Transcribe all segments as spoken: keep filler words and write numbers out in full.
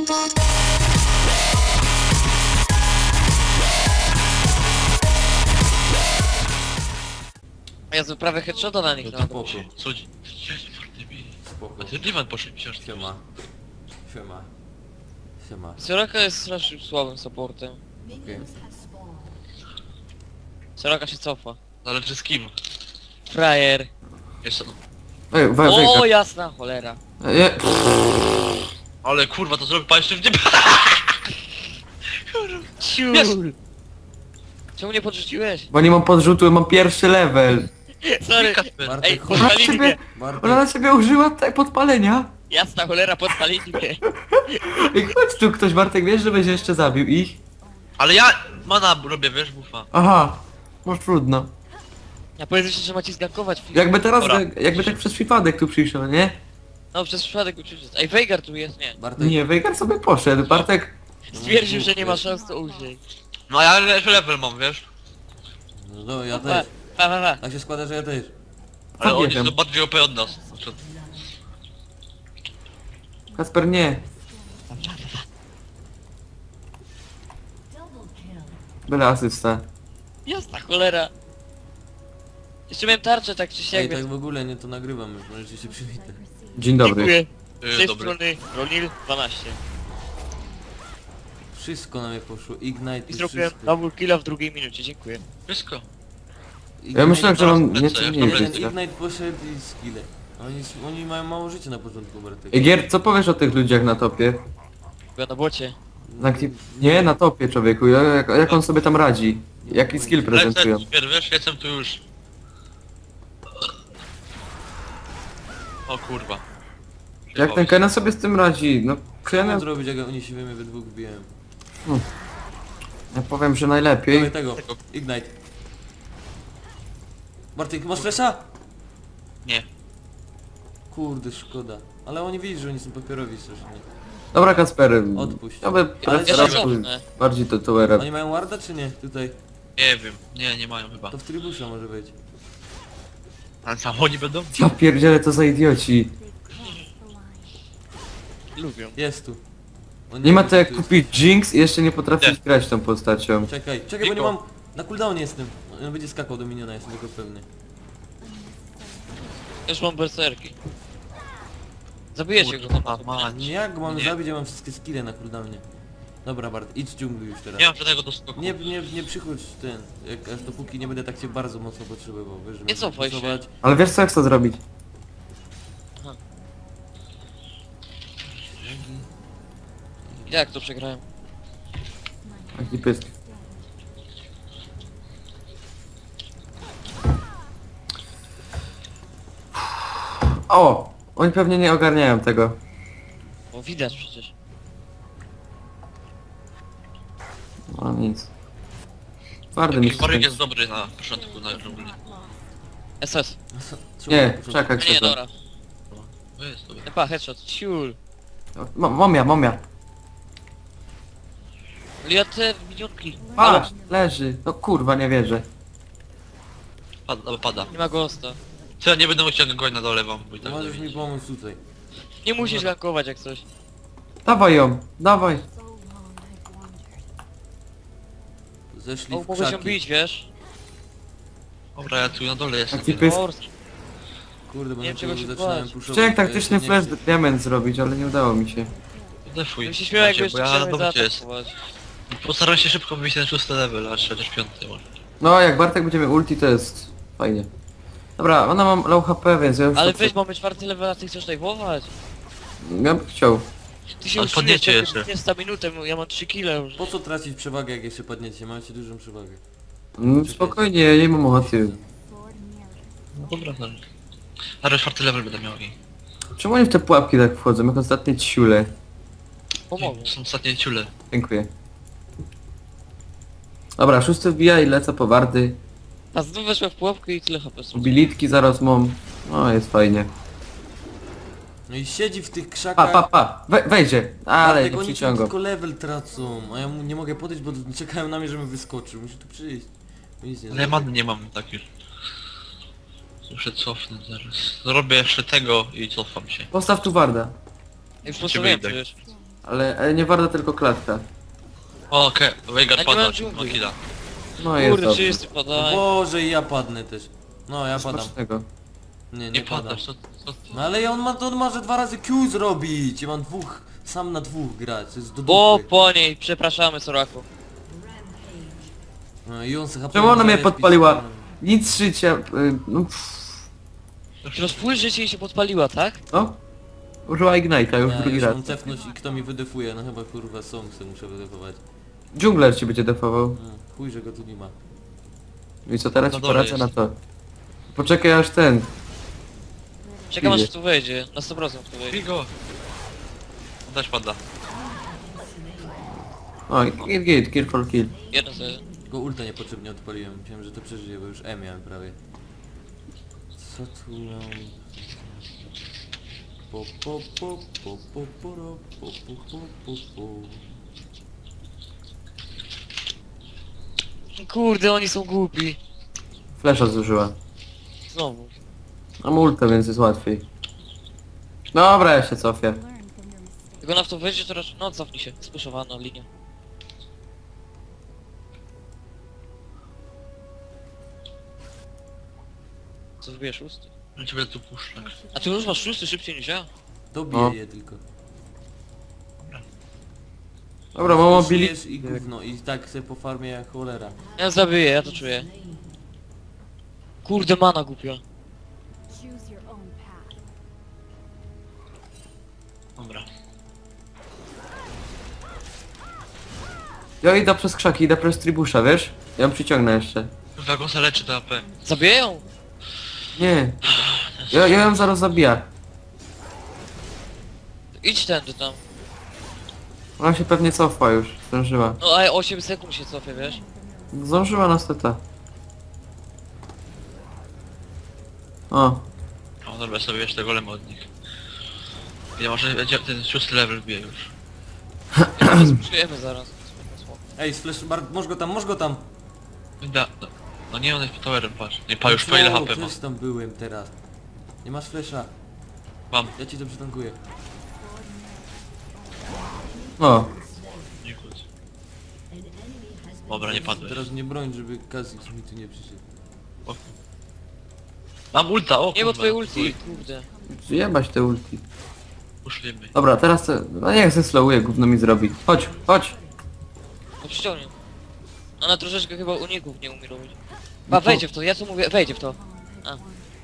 Ja prawie headshota na nich No to dałem. spoko. Co ci? Jezu, Bartemi. Spoko. A ty Dywan poszedł książkę. Siema. Siema. Siema. Soraka jest strasznie słabym supportem. Okej. Soraka się cofa. Zależy z kim. Frajer. Jeszcze no. Ej, we, O, we, jasna cholera. je, Ale kurwa, to zrobił pan jeszcze w nie... Ciul. Czemu nie podrzuciłeś? bo nie mam podrzutu, mam pierwszy level. Sorry. Kasper. Ej, Bartek, chodź. Ona podpalili ciebie, mnie. ona Bartek, na ciebie użyła tutaj podpalenia. Jasna cholera, podpalili mnie. Ej, chodź tu ktoś, Bartek, wiesz, że będzie jeszcze zabił ich? Ale ja mana robię, wiesz, bufa. Aha, może trudno. Ja powiedziałem, że macie zgankować. Jakby teraz, Dobra. jakby tak przez przypadek tu przyszedł, nie? No, przez przypadek uczyć. Ej, Veigar tu jest, nie. Bartek. Nie, Veigar sobie poszedł, Bartek... Stwierdził, że nie ma szans to użyć. No a ja jeszcze level mam, wiesz. No, no ja Pa, też. pa, pa, pa. Tak się składa, że ja też. Ale nie oni wiem. są bardziej O P od nas. Znaczy, Kasper, nie. Byle asysta. Jasna cholera. Jeszcze miałem tarczę tak czy siak, Ej, tak więc... w ogóle nie to nagrywam już, możecie się przywitać. Dzień dobry. Dziękuję. Z yy, tej dobry. strony Ronil dwanaście. Wszystko na mnie poszło, Ignite I i zrobiłem wszystko. double killa w drugiej minucie, dziękuję. Wszystko. Ja myślałem, że mam Teraz nieco lecę, mniej jak Jeden życia. Ignite poszedł i skille. Oni, oni mają mało życia na początku, Bartek. Ej, Gier, co powiesz o tych ludziach na topie? Była na bocie. Na, gdzie- nie, na topie, człowieku, jak, jak on sobie tam radzi? Jaki skill prezentują? Lecę, wiesz, jestem tu już. O kurwa. Jak ten Kena sobie z tym radzi? No, Co Kena... mam zrobić, jak oni się we mnie we dwóch biją? Ja powiem, że najlepiej. Dawaj tego, Ignite. Bartek, masz flesza? Nie. Kurde, szkoda. Ale oni widzą, że oni są papierowi strasznie. Dobra, Kasper. Odpuść. Ja by Ale ja się preferował cofnę. bardziej to towera. Oni mają warda czy nie? Tutaj. Nie wiem. Nie, nie mają chyba. To w trybusza może być. Ale sam oni będą? Ja pierdzielę, to za idioci. Lubią. Jest tu. On Nie ma wie, to jak tu jest. kupić Jinx i jeszcze nie potrafić Nie. grać tą postacią. Czekaj, czekaj, bo nie Niko. mam... Na cooldownie jestem. On będzie skakał do miniona, jestem tego pewny. Już mam berserki. Zabijecie go. Kurwa, mać. Nie, jak go mam Nie. zabić, ja mam wszystkie skille na cooldownie. Dobra Bart, idź dżungli już teraz. Nie mam żadnego doskoku. Nie, nie, nie przychodź ten, jak aż dopóki nie będę tak cię bardzo mocno potrzebował, wiesz, że Nie możesz cofaj się. głosować. Ale wiesz co, jak to zrobić? Jak to przegrałem? Taki pysk. O! Oni pewnie nie ogarniają tego. Bo widać przecież. No nic. Twardy mi Taki się waryk skończy. jest dobry na początku, na dżungli. S S. Czemu Nie, na początku? czekaj, Nie, czekaj. dobra. To jest dobry. Epa, headshot. Ciul. Mo- Momia, momia. Ale ja te minionki. Ale Patrz, leży. No kurwa, nie wierzę. Pada, pada. nie ma ghosta. Co ja nie będę musiał go na dole wam, bo i tak Możesz zabić. mi pomóc tutaj. Nie musisz gankować jak coś. Dawaj ją, dawaj. Zeszli O, w mogę się krzaki. bić, wiesz? Dobra, ja tu na dole jestem. Taki pysk. Mors. Kurde, bo Nie na wiem, czego tyłu się zaczynałem bać. puszować. Chciałem to ja taktyczny się nie flash chcę. diament zrobić, ale nie udało mi się. Defuj. Bym się śmiał jakby Macie, bo jeszcze ja na chciałem dobycie jest. zaatakować. Postaram się szybko wyjść ten szósty level, aż chociaż piąty może. No, jak Bartek będziemy ulti, to jest fajnie. Dobra, ona mam low H P, więc ja już... Ale to- weź, mamy czwarty level, a ty chcesz dajwować? Ja bym chciał. Ty się Ale uczyłeś, podniecie jak jeszcze. nie sta minutę, ja mam trzy kile już. Po co tracić przewagę, jak jeszcze padniecie? Macie dużą przewagę. No, spokojnie, ja nie mam ochoty. No dobra, no. Ale czwarty level będę miał i... Czemu oni w te pułapki tak wchodzą, jak ostatnie ciule? Pomogę. To są ostatnie ciule. Dziękuję. Dobra, szósty wbija i lecę po wardy. A znów weszła w pułapkę i tyle H P są. Bilitki zaraz mam. No, jest fajnie. No i siedzi w tych Pa, krzakach. pa, pa! We, wejdzie! Ale Bartek, nie oni tu przyciągam. tylko level tracą, a ja mu nie mogę podejść, bo czekają na mnie, żebym wyskoczył. Musi tu przyjść. Bo nic nie Ale ja zrobię. many nie mam tak już. Muszę cofnąć zaraz. Zrobię jeszcze tego i cofam się. Postaw tu warda. Już Ciebie postawiłem idę. przecież. Ale, ale nie warto tylko klatka. O, okej, A Veigar nie pada, mam czy dżungli. killa. No jest Kurde, dobrze. wszyscy padają. Boże, i ja padnę też. No, ja padam. Smacznego. Nie, nie, Nie padam. padasz, co, co ty? No ale on ma, on może dwa razy Q zrobić. Ja mam dwóch, sam na dwóch grać, to jest do O, dupy. po niej, przepraszamy Soraku. No i on se Czemu ona mnie F P S podpaliła? pisał. Nic życia... y, No, pff, Teraz full życie jej się podpaliła, tak? no. Użyła Ignite'a już Ja drugi już raz. mam cefnąć i kto mi wydefuje, no chyba kurwa Somsy muszę wydefować. Dżungler ci będzie defował. No, chuj, że go tu nie ma. I co teraz Na ci dole poradzę jest. na to. Poczekaj aż ten. Czekam Idzie. aż tu wejdzie, na sto procent tu wejdzie. Bigo! On też pada. O, git git, kill for kill. Jeden za jeden. Tylko ulta niepotrzebnie odpaliłem, myślałem, że to przeżyje, bo już E miałem prawie. Co tu mam? Po po po po po po ro, po po po po po. Kurde, oni są głupi. Flesza zużyła. Znowu. Mam ultę, więc jest łatwiej. Dobra, ja się cofię. Jak ona w to wejdzie, to raczej... No, cofnij się. Spuszowana linia. Co wbijesz szósty? Ja cię będę tu puszczać. A ty już masz szósty szybciej niż ja? Dobiję No. je tylko. Dobra, mam mobili... Pijesz i gówno i tak sobie po farmie jak cholera. Ja zabiję, ja to czuję. Kurde, mana głupia. Choose your own path. Dobra. Ja idę przez krzaki, idę przez tribusza, wiesz? Ja ją przyciągnę jeszcze. Kurwa, go se leczy do A P. Zabiję ją? Nie. Ja, ja ją zaraz zabiję. Idź tędy tam. Ona się pewnie cofa już. Zdążyła. No a osiem sekund się cofie, wiesz? Zdążyła na steta. O. O, dobra, sobie jeszcze golem od nich. Ja może będzie ten szósty level bije już. Czujemy zaraz. Ej, splash, bar, możesz go tam, możesz go tam! Da, no, no nie, on jest pod towerem, patrz. Nie, pa już po ile No, H P ma. też tam byłem teraz. Nie masz flesza, Mam. ja ci to przytankuję. O. Nie kłóć. Dobra, nie padłeś. Teraz nie broń, żeby Kazix mi tu nie przyszedł. O. Mam ulta, o Nie, bo kurwa. twoje ulti, kurde. Jebać te ulti. Uszliśmy. Dobra, teraz to... No niech se slowuje, gówno mi zrobi. Chodź, chodź. No przyciągnie. Ona troszeczkę chyba uników nie umie robić. A wejdzie w to, ja co mówię, wejdzie w to. A,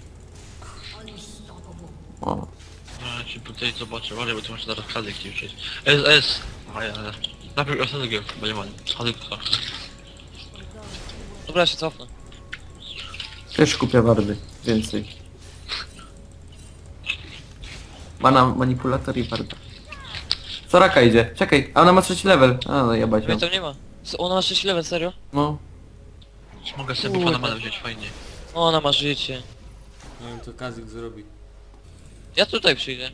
O. No, ja ci tutaj zobaczę, uważaj, bo tu masz zaraz schady chcieli przejść. S, S! A ja, ja. Najpierw ostatniego, bo nie ma. Schady to. dobra, ja się cofnę. Też kupię wardy. Więcej. Mana manipulator i warda. Soraka idzie. Czekaj, a ona ma trzeci level. A no jebać ją. Mnie tam nie ma. Co, ona ma sześć level, serio? No. Mogę sobie bufa na manę wziąć, fajnie. Ona ma życie. Nie wiem co Kazix zrobi. Ja tutaj przyjdę.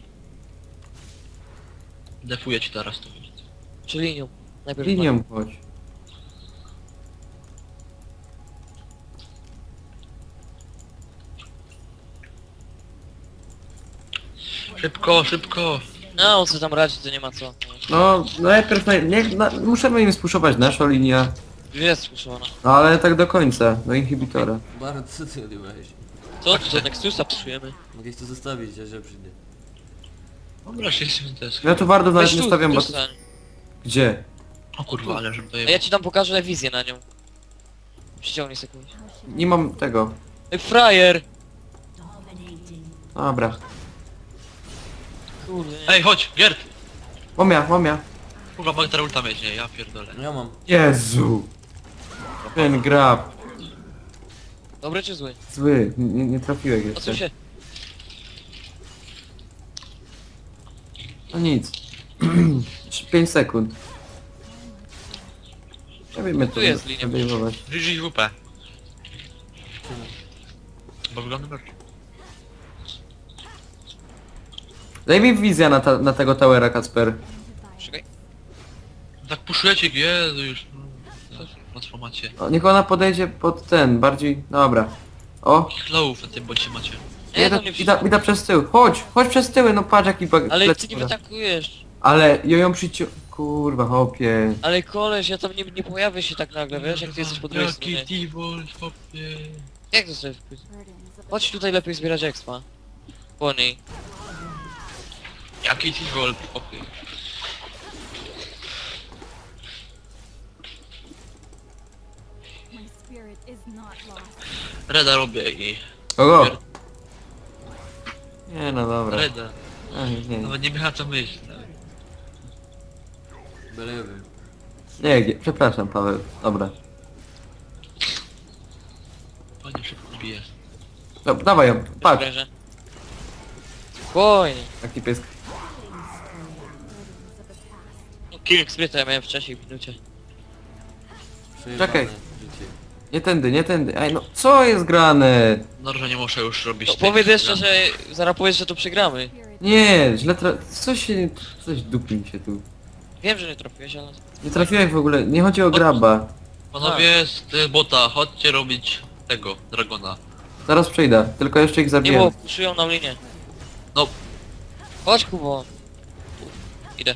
Defuję ci teraz to. Czy linią. Najpierw Linią chodź. Szybko, szybko! No, on co tam radzi, to nie ma co. No, najpierw naj... niech, na... musimy im spuszować naszą linię. Jest spuszczona. No ale tak do końca, do inhibitora. Bart, co ty odjebałeś? Co? Tu do Nexusa puszujemy. Mogę to zostawić, ja że przyjdę. Dobra, się jestem też. Ja tu wardów nawet Weź nie tu, stawiam, bo... tu To... stań. Gdzie? O kurwa, ale żebym A dojebał. ja ci tam pokażę wizję na nią. Przyciągnij sekundę. Nie mam tego. Ej, frajer! Dobra. Kurde, nie. Ej, chodź, Gert! Momia, momia. Kurwa, mogę teraz ulta mieć, nie, ja pierdolę. No ja mam. Jezu. Ten grab. Dobry czy zły? Zły, nie, nie trafiłeś jeszcze. Odsuń się. No nic. pięć sekund. Ja wiemy Tu jest linia. obejmować. G G W P. Bo wygląda bardzo. Daj mi wizja na, ta, na tego towera, Kacper. Czekaj. Tak puszujecie, Jezu już. No, transformacie. O, niech ona podejdzie pod ten, bardziej... Dobra. O, Slowów na tym bocie macie. Nie, idę, tam nie idę, idę przez tył. Chodź, chodź przez tyły, no patrz jaki bag... Ale plec- ty nie wytakujesz. Ale ja ją przycią... Kurwa, hopie. Ale koleś, ja tam nie, nie pojawię się tak nagle, wiesz, jak ty jesteś po drugiej Jaki stronie. T-Volt, hopie. Jak to sobie wpłyć? Burdens of Chodź tutaj lepiej zbierać expa. Po niej. Jaki T-Volt, hopie. my spirit is not lost. Reda robię i... Kogo? Nie no dobra. Reda. Ej, nie, Nawet nie miała co myśleć. Belewym. nie, nie, przepraszam Paweł. Dobra. Panie szybko bije. Dobra, dawaj ją, patrz. Sprężę. Spokojnie. Jaki pies. Burdens of the past. No, killing spryta ja miałem wcześniej w minucie. Przejebane Czekaj. życie. Nie tędy, nie tędy. Ej no, co jest grane? No, że nie muszę już robić No, tych powiedz jeszcze, zmian. że zaraz powiedz, że to przegramy. Spirit Nie, źle tra... Coś się... Coś dupi mi się tu. Wiem, że nie trafiłeś, ale... Nie trafiłeś w ogóle, nie chodzi o graba. Panowie z y, bota, chodźcie robić tego, Dragona. Zaraz przejdę, tylko jeszcze ich Nie zabiję. było, puszują nam linię. No, Chodź Kubo. Idę.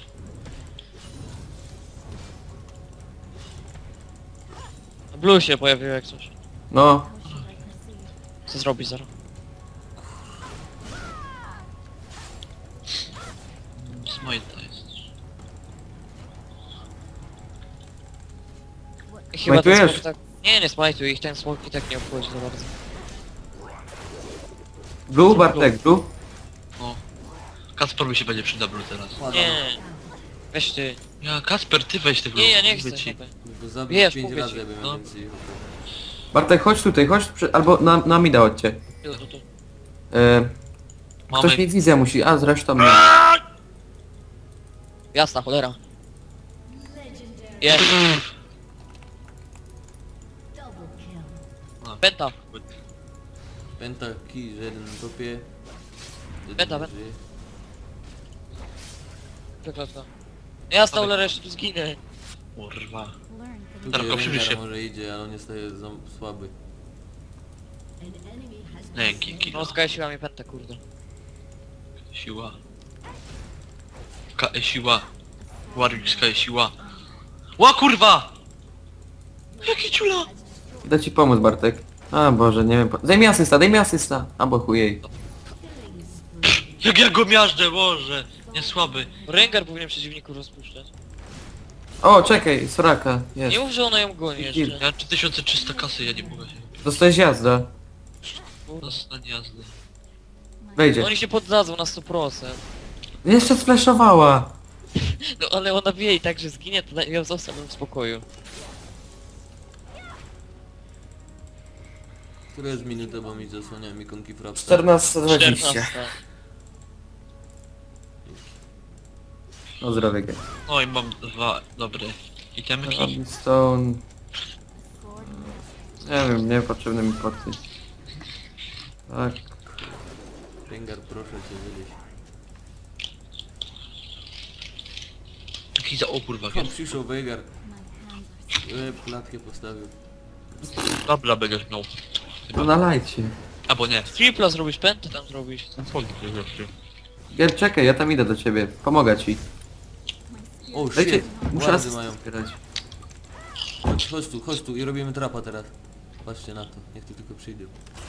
Blue się pojawił jak coś. No, how should I proceed? Co zrobisz zaraz? Smite jest. I chyba ten Smajtujesz? smok tak... Nie, nie smajtuj ich, ten smok i tak nie obchodzi za bardzo. Blue, Bartek, Blue. No. Kasper mi się będzie przydał Blue teraz. Nie. Weź ty. Ja, Kasper, ty weź tego. Nie, ja nie mówię chcę. ci. Ci. Bo zabić Wiesz, pięć mówię razy, ci. jakbym No. miał więcej. Bartek, chodź tutaj, chodź, przy... albo na, na mida chodźcie. Tu, tu, tu. E, Mamy... ktoś mi wizja musi, a zresztą nie. Jasna cholera. Jest. A, Penta. Penta, kij, że jeden na topie. Jeden Penta, nie penta. żyje. Przeklęta. Jasna cholera, jeszcze tu zginę. Kurwa. Learn from Tutaj Darko, przybliż Rengar się. może idzie, ale on jest e, za słaby. Dzięki, kilo. No skajsiła mi pentę, kurde. Siła. K e siła. Warwick K siła. Ła kurwa! Jaki ciula! Idę ci pomóc, Bartek. A Boże, nie wiem. Po... Daj mi asysta, daj mi asysta. Albo chujej. Jak ja go miażdżę, Boże! Nie słaby. Rengar powinien przeciwników rozpuszczać. O, czekaj, Soraka, jest. Nie mów, że ona ją goni Kill. jeszcze. Ja mam trzy tysiące trzysta kasy, ja nie mogę się. Dostałeś jazda. Dostań jazdy. Wejdzie. Oni się poddadzą na sto procent. Jeszcze sfleszowała. No ale ona wie i tak, że zginie, to ją zostawiam w spokoju. Która jest minuta, bo mi zasłania mi konki frapsa. czternasta dwadzieścia. czternasta. No zdrowie. No i mam dwa dobre itemki. Robin Stone. sword. Nie wiem, niepotrzebne mi poty. Tak. Rengar, proszę cię, wyjść. Jaki za o kurwa, Tam przyszł Veigar. My hands are E, klatkę postawił. dobra będziesz miał. No nalajcie. Albo nie. Tripla zrobisz, pentę tam zrobisz. Gier, czekaj, ja tam idę do ciebie. Pomogę ci. O, Dajcie, shit. muszę Wardy asystę mają. zbierać. Chodź, chodź tu, chodź tu i robimy trapa teraz. Patrzcie na to, niech tu tylko przyjdzie.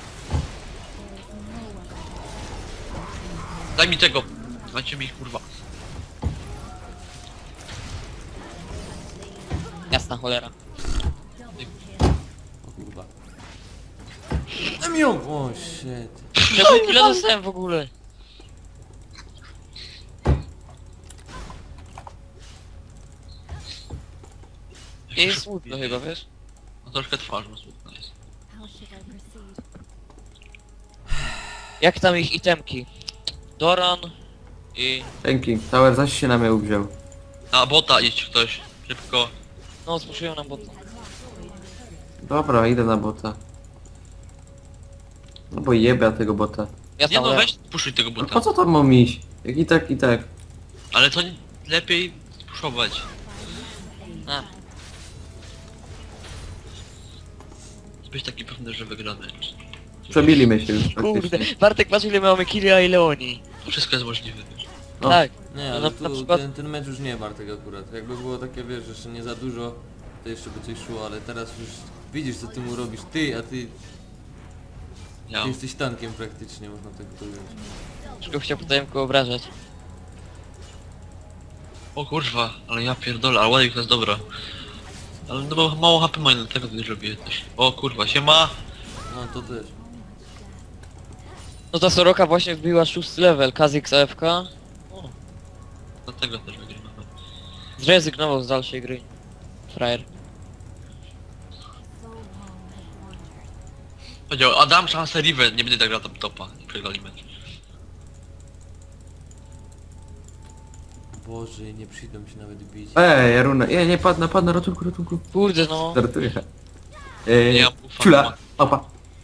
Daj mi tego. Dajcie mi kurwa. Jasna cholera. O kurwa. Daj mi ją! O, shit. Czemu ile dostałem w ogóle? Nie jest smutno chyba, wiesz? No troszkę twarz ma smutna jest. how should I proceed? Jak tam ich itemki? Doran i... Dzięki. Tower zaś się na mnie uwziął. Na bota idź ktoś. Szybko. No, spuszują nam bota. Dobra, idę na bota. No bo jebia tego bota. Jasna Nie no cholera. weź puszuj tego No bota. po co tam mam iść? Jak i tak, i tak. Ale to nie- lepiej puszować. A, Być taki pewny, że wygramy. Przebili mnie się już kurde. praktycznie. Bartek, patrz ile mamy killi, a ile oni. Wszystko jest możliwe. No. Tak. Nie, No ale na- tu na przykład- ten, ten mecz już nie Bartek akurat. Jakby było takie, wiesz, jeszcze nie za dużo, to jeszcze by coś szło, ale teraz już widzisz co ty mu robisz. Ty, a ty, Ja. ty jesteś tankiem praktycznie, można tak powiedzieć. Już go chciał potem obrażać. O kurwa, ale ja pierdolę, ale ładnie to jest dobra. Ale no bo mało H P mają, dlatego tutaj robię coś. O kurwa, siema! No to też. No ta Soroka właśnie wbiła szósty level, Kha'Zix A F K. Dlatego też wygrywam. Zrezygnował z dalszej gry. Frajer. So long have wandered. Powiedział, Adam szansę Riven, nie będę tak grał top topa. I przegrali mecz. Boże, nie przyjdą się nawet bić. Ej, Jaruna, nie, nie, padł, na, padł na ratunku, ratunku. Kurde no. Żartuję. Ej, Nie, ja ufam, ciula, ufam. opa.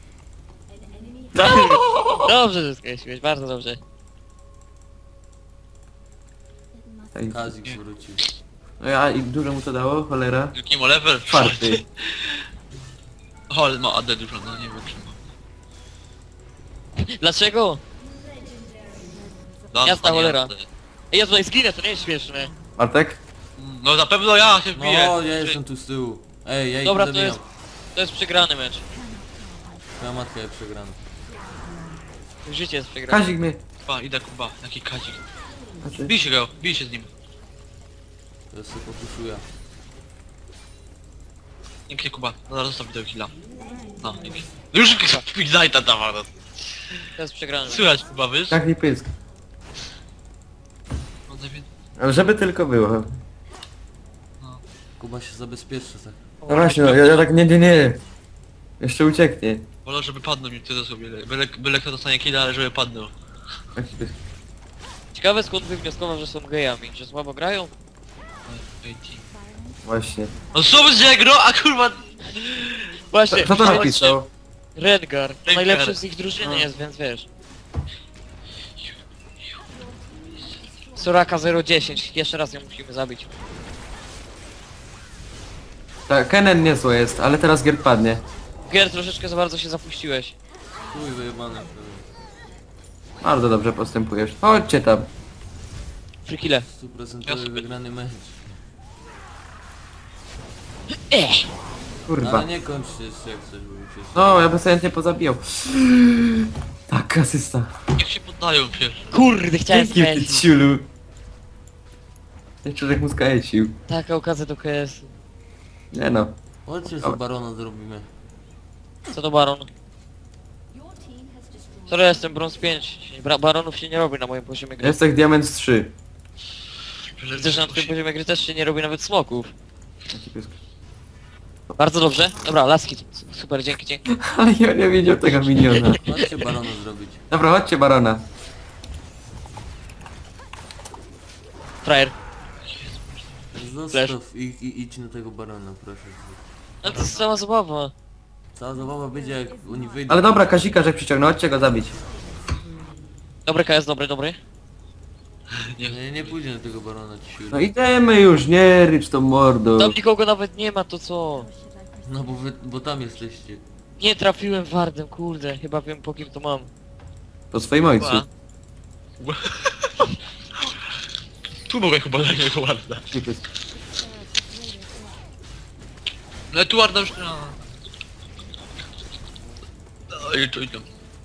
Dobrze, że skreśliłeś, bardzo dobrze. It must Ej, Kazik wrócił. no ja, i dużo mu to dało, cholera. Jaki ma level? Czwarty. O, ale ma A D dużo, no nie wiem czy ma. Dlaczego? Dan, Jasna panie cholera. A D. Ej, ja tutaj zginę, to nie jest śmieszne. Bartek? No na pewno ja się No, wbiję. ja jestem tu z tyłu. Ej, ja ich Dobra, to zabijam. jest, to jest przegrany mecz. Twoja matka jest przegrana. Życie jest przegrane. Kazik mnie. Kuba, idę Kuba, jaki kazik. Znaczy, Bij się go, bij się z nim. To sobie popuszuję. Dzięki Kuba, no zaraz zostaw video killa. No, dzięki. No już Ignite'a dawał, no. To jest przegrany mecz. Słychać Kuba, wiesz? tak nie pysk. No, nie wiem. Ale żeby tylko było. Kuba się zabezpieczy tak. No właśnie, no, ja, ja tak nie, nie, nie. Jeszcze ucieknie. Wolę, żeby padnął mi tyle sobie. Byle, byle kto dostanie killa, ale żeby padnął. Taki pysk. Ciekawe skąd wywnioskował, że są gejami, że słabo grają? Ej, ci. Właśnie. No co będzie gro, a kurwa... Właśnie, Kto to napisał? Rengar, to Rengar. najlepszy z ich drużyny No. jest, więc wiesz. Soraka zero dziesięć, jeszcze raz ją musimy zabić. Tak, Kenen niezłe jest, ale teraz Gier padnie. Gier, troszeczkę za bardzo się zapuściłeś. Chuj wyjebane. Bardzo dobrze postępujesz. Chodźcie tam. Frikile. Stuprocentowy Ja sobie- wygrany mecz. Ech! Kurwa. Ale nie kończcie jeszcze jak coś, bo się... No, ja bym sobie chętnie pozabijał. Tak, asysta. Niech się poddają pierwszy. Kurde, chciałem Dzięki, ty skręcić. ciulu. Ten człowiek mu skręcił. Taka okazja do K S. Nie no. Chodźcie sobie barona zrobimy. Co to baron? Sorry, ja jestem brąz pięć. Bra baronów się nie robi na moim poziomie gry. Jest tak diament trzy. Widzę, że na twoim poziomie gry też się nie robi nawet smoków. Taki pysk. Bardzo dobrze. Dobra, laski. Super, dzięki, dzięki. Ale ja nie widział tego miniona. Chodźcie barona zrobić. Dobra, chodźcie barona. Frajer. Zostaw i, i idź na tego barona, proszę. No to jest cała zabawa. Cała zabawa będzie jak oni wyjdą. Ale dobra, Kazika, że przyciągnął, chodźcie go zabić. Dobry K S, dobry, dobry. Nie, nie pójdzie na tego barona ci siły. No idziemy już, nie rycz tą mordą. Tam nikogo nawet nie ma, to co? No bo wy, bo tam jesteście. Nie trafiłem wardem, kurde. Chyba wiem po kim to mam. Po swoim ojcu. Kuba. Kuba. Tu mogę chyba dać jego warda. Taki pysk. No tu warda już nie ma. No i tu idą.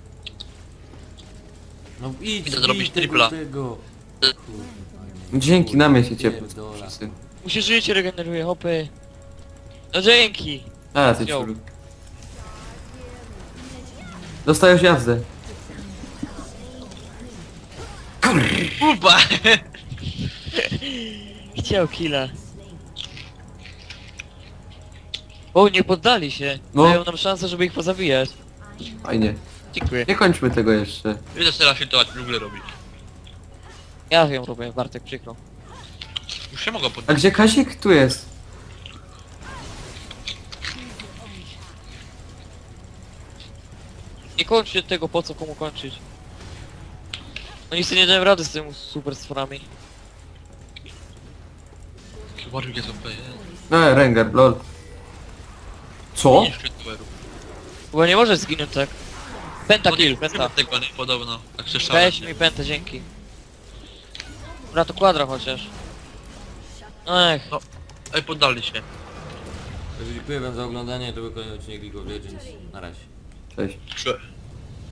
No idź, Idę idź zrobić tego, tripla. tego. Dzięki, na mnie się ciepło. Pierdolę. Wszyscy. Mu się życie regeneruje, hopy. No dzięki. A, ty Wziął. ciulu. Dostajesz jazdę. Kuba! Chciał killa. O, nie poddali się. No. Dają nam szansę, żeby ich pozabijać. Fajnie. Dziękuję. Nie kończmy tego jeszcze. Idę teraz filtrować, w ogóle robić. Ja wiem, robię, Bartek, przykro. Już się mogą A poddać. gdzie Kazik? Tu jest. Nie kończcie tego, po co komu kończyć. No nic nie dałem rady z tym super stworami. Warwick jest O P. No, Rengar, lol. Co? Nie szczytuerów. Bo nie możesz zginąć tak. Penta kill, penta. Tego nie podobno. Tak słyszałem. Weź mi pentę, dzięki. Dobra, to kwadra chociaż. Ech, Ej, poddali się. Także dziękuję wam za oglądanie, to był kolejny odcinek League of Legends. Na razie. Cześć. Cze-